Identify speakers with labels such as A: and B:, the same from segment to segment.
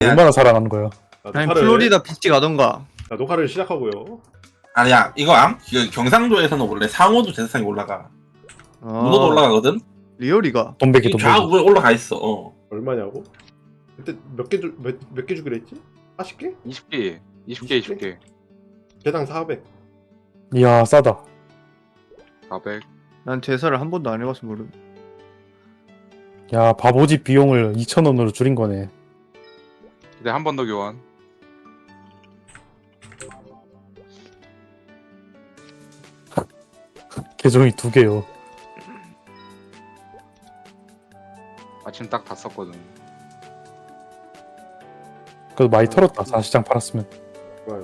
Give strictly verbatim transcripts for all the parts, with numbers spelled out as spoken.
A: 얼마나 사랑하는 거야?
B: 자,
C: 아니
B: 녹화를-
C: 플로리다 비치 가던가.
B: 자, 녹화를 시작하고요.
D: 아니야 이거 암? 그 경상도에서는 원래 상어도 제사상에 올라가.
C: 아,
D: 문어도 올라가거든?
C: 리얼이가.
A: 돈베기
D: 이
A: 돈베기.
D: 좌우에 올라가 있어. 어.
B: 얼마냐고? 그때 몇개몇몇 개 주기로 했지? 사십 개?
E: 이십 개, 이십 개, 이십 개,
B: 개당 사백.
A: 이야 싸다.
E: 사백.
C: 난 제사를 한 번도 안 해봐서 모르.
A: 야 바보집 비용을 이천 원으로 줄인 거네.
E: 이제 한 번 더 교환.
A: 계정이 두 개요.
E: 마침 딱 다 썼거든.
A: 그래도 많이 털었다. 사십 장 팔았으면.
B: 좋아요.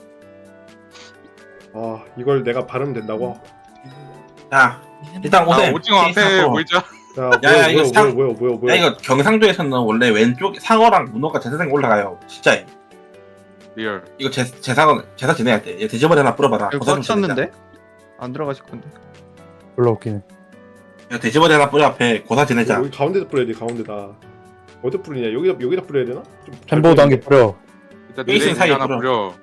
B: 아, 이걸 내가 발음 된다고?
D: 자 일단
E: 아,
D: 오셈.
E: 오징어 앞에 보이자.
B: 야,
D: 야,
B: 뭐야,
D: 이거
B: 뭐야,
D: 상-
B: 뭐야, 뭐야, 뭐야.
D: 야 이거 경상도에서는 원래 왼쪽 상어랑 문어가 제사상에 올라가요. 진짜.
E: 리얼.
D: 이거 제, 제사 제사 지내야 돼. 얘 돼지머리 하나 뿌려봐라.
C: 여기
D: 고사
C: 꽉
D: 좀 지내자.
C: 찼는데? 안 들어가실 건데.
A: 별로 웃기네.
D: 야 돼지머리 하나 뿌려 앞에 고사 지내자.
B: 여기 가운데다 뿌려야 돼, 가운데다. 어디 뿌리냐? 여기다 여기다 뿌려야 되나? 좀 잘
A: 햄버거 단계 뿌려.
E: 일단
D: 베이스
E: 느레인
D: 사이에
E: 하나
D: 뿌려.
E: 뿌려.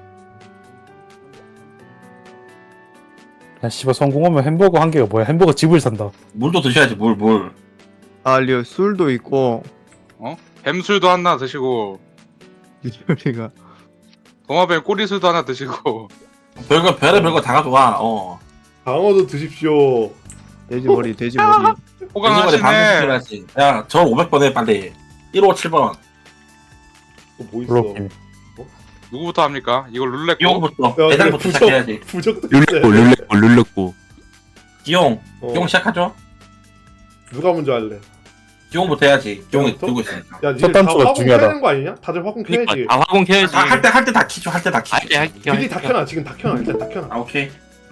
A: 야 씨발 성공하면 햄버거 한 개가 뭐야? 햄버거 집을 산다.
D: 물도 드셔야지 물 물.
C: 아 리얼 술도 있고.
E: 뱀술도 하나 드시고,
C: 리얼이가.
E: 도마뱀 꼬리술도 하나 드시고.
D: 별거 별의 별거 다 가져와. 어.
B: 방어도 드십시오.
C: 돼지 머리 돼지 머리.
D: 돼지머리 반드시
E: 호강하시네.
D: 뿌려야지. 야저 오백 번 해 빨리. 일오칠 번.
B: 또뭐 있어?
A: 별로 웃기네.
E: 누구부터 합니까? 이걸 룰렛고.
D: 기용부터
B: 야,
D: 대장부터
B: 부적,
D: 시작해야지.
B: 부적도
F: 룰렛고
B: 있어야 돼.
F: 룰렛고 룰렛고
D: 기용
B: 어,
D: 기용 시작하죠.
B: 누가 먼저 할래?
D: 기용부터 해야지. 기용이
B: 기용부터?
D: 들고 있으니까.
B: 야, 니네
A: 첫
B: 다
A: 단추가
B: 화공 켜야
A: 중요하다.
B: 되는 거 아니냐? 다들 화공 켜야지.
F: 그니까 아 화공 켜야지.
D: 할 때 할 때 다 키죠. 할 때 다 키죠.
F: 할게 할게
B: 미리 다
F: 할게
B: 켜놔. 지금 다 켜놔. 일단 다 켜놔.
D: 아 오케이.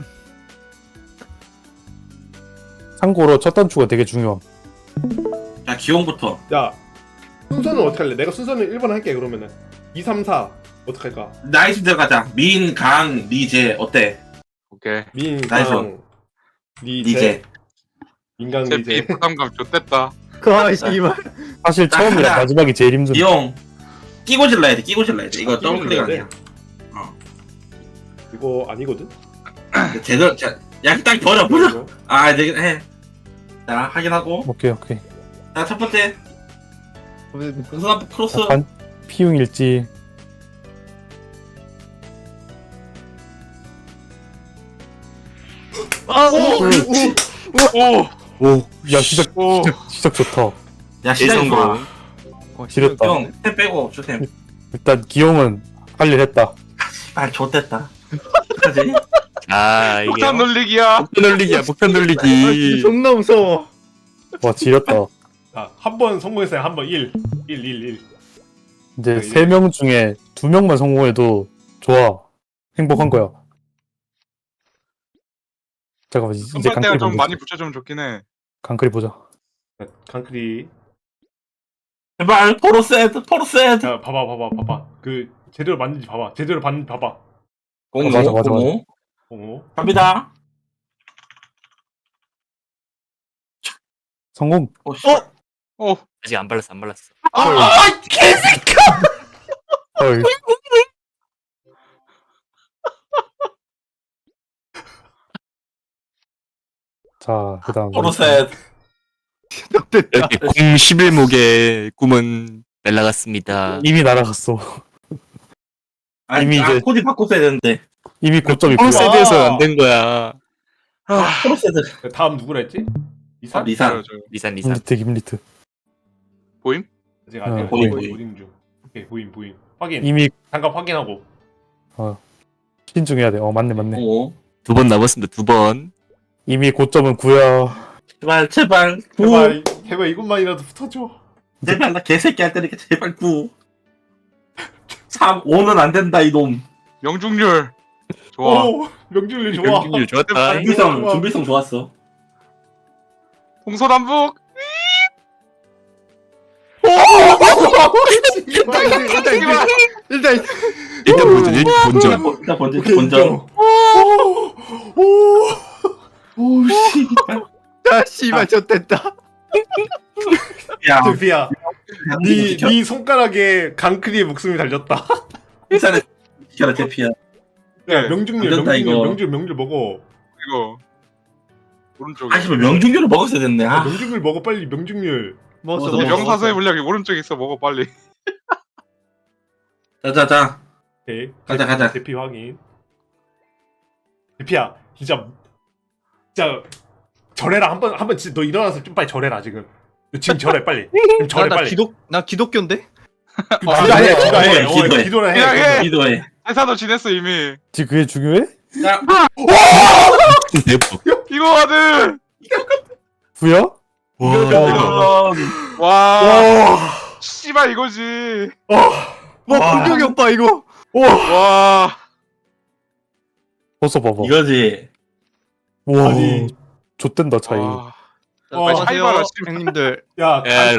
A: 참고로 첫 단추가 되게 중요함.
D: 자 기용부터.
B: 야, 순서는 어떻게 할래? 내가 순서는 일 번 할게, 그러면은. 이, 삼, 사. 어떻게 할까?
D: 나이스 들어가자. 민, 강, 리제 어때?
E: 오케이.
B: 민,
D: 나이스.
B: 강, 리제.
D: 리제.
B: 인간
E: 제피
B: 리제.
E: 부담감 좆됐다.
C: 아 씨발.
A: 사실
D: 나
A: 처음이랑
D: 하나.
A: 마지막이 제일 힘든.
D: 기용. 끼고 질러야 돼. 끼고 질러야 돼. 이거
B: 끼고
D: 더블 클릭
B: 질러야
D: 아니야.
B: 이거 아니거든?
D: 제대로 자, 야딱 버려 버려. 아 되긴 해. 자 확인하고.
A: 오케이 오케이.
D: 자 첫 번째 공선 앞 크로스.
A: 반 피웅일지.
C: 아 오.
E: 오!
F: 오
A: 야 시작
E: 오!
A: 시작, 시작 좋다.
D: 야 시작이 좋아.
C: 어,
A: 지렸다.
D: 형, 템 빼고 주셈.
A: 일단 기용은 할 일 했다.
D: 아 좋댔다. 그지?
F: 아 이게
E: 폭탄 놀리기야.
F: 폭탄 놀리기야 폭탄
C: 아, 진짜
F: 놀리기.
C: 존나 무서워.
A: 와 지렸다.
B: 자, 한 번 성공했어요. 한 번 일. 일, 일, 일.
A: 이제
B: 네,
A: 세 명 중에 두 명만 성공해도 좋아. 행복한 거야. 잠깐만 이제
E: 선발 때가
A: 강클이
E: 좀
A: 보자.
E: 많이 붙여주면 좋긴 해.
A: 강클이 보자.
B: 자, 강크리.
D: 제발 포로셋 포로셋.
B: 자, 봐봐, 봐봐, 봐봐. 그, 제대로 맞는지 봐봐. 제대로 봤는지 봐봐.
D: 공모
A: 맞아, 맞아,
D: 공모.
B: 어?
D: 갑니다.
A: 성공.
D: 오, 씨.
E: 오!
F: 아직 안 발랐어 안 발랐어.
D: 아 개새끼야.
A: 헐. 자 그다음
D: 포로셋.
C: 됐다.
F: 이렇게 공 십일 목의 꿈은 날라갔습니다.
A: 이미 날아갔어.
D: 아니,
A: 이미
D: 아,
A: 이제-
D: 코디 바꿨어야 되는데.
A: 이미 고점이
F: 공
A: 있고요.
F: 세트에서 안 된 거야.
D: 아, 포로셋.
B: 다음 누구라 했지? 이사?
D: 아, 리산.
E: 저요, 저요.
F: 리산 리산.
A: 김리트 김리트.
E: 보임?
B: 아직 아직
A: 어,
B: 보임,
D: 보임.
B: 보임 중. 오케이, 보임, 보임. 확인.
A: 이미
B: 잠깐 확인하고.
A: 신중해야 돼. 어 맞네 맞네.
D: 오.
F: 두 번 남았습니다 두 번.
A: 이미 고점은 구야.
D: 제발 제발 구.
B: 제발, 제발 이것만이라도 붙어줘.
D: 제발 나 개새끼 할 때니까 제발 구. 삼, 오는 안 된다 이놈.
E: 명중률. 좋아.
B: 오, 명중률 좋아.
F: 명중률 좋았다.
D: 준비성
B: 좋아.
D: 준비성 좋았어.
E: 동서남북.
C: 일단 일단 일단 일단 일단
F: 일단 본전 일단 본전.
D: 일단 본- 일단 번째
B: 오케이,
D: 본전.
B: 인정. 오, 오.
D: 오 씨발.
C: 아 씨발 저 됐다.
D: 야,
B: 대피야. 네,
D: 지켜.
B: 네 손가락에 강크리의 목숨이 달렸다.
D: 일단은 지켜라 대피야.
B: 야
E: 네.
B: 명중률
D: 안 된다,
B: 명중률
D: 이거.
B: 명중 명중 먹어.
E: 이거 오른쪽에.
D: 아씨, 명중률을 먹었어야 됐네.
B: 야,
D: 아,
B: 명중률 먹어 빨리 명중률.
C: 먹었어
D: 먹었어,
E: 이
C: 먹었어.
E: 명사수의 물약이 오른쪽에 있어. 먹어 빨리.
D: 자자자.
B: 오케이.
D: 가자, 가자.
B: 대피 확인. 대피야 진짜 진짜 절해라 한번 한번 진짜 너 일어나서 좀 빨리 절해라 지금. 너 지금 절해 빨리. 지금 절해
C: 나, 나
B: 빨리.
C: 기독 나 기독교인데?
B: 그 기도해 기도해. 어,
D: 기도해.
B: 기도를 해.
E: 그냥 해.
D: 기도해.
E: 회사도 지냈어 이미.
A: 지금 그게 중요해?
D: 야,
F: 대박.
E: 이거 하든.
A: 부야?
F: 와.
D: 어,
E: 와. 씨발 이거지.
C: 와 분명히 오빠 이거.
E: 와.
A: 벗어 봐봐.
D: 이거지.
A: 와,
B: 아니.
A: 좆된다 차이.
E: 와.
B: 어,
C: 빨리
E: 차이 봐라,
C: 하세요
E: 씨발.
C: 형님들.
B: 야
F: 야,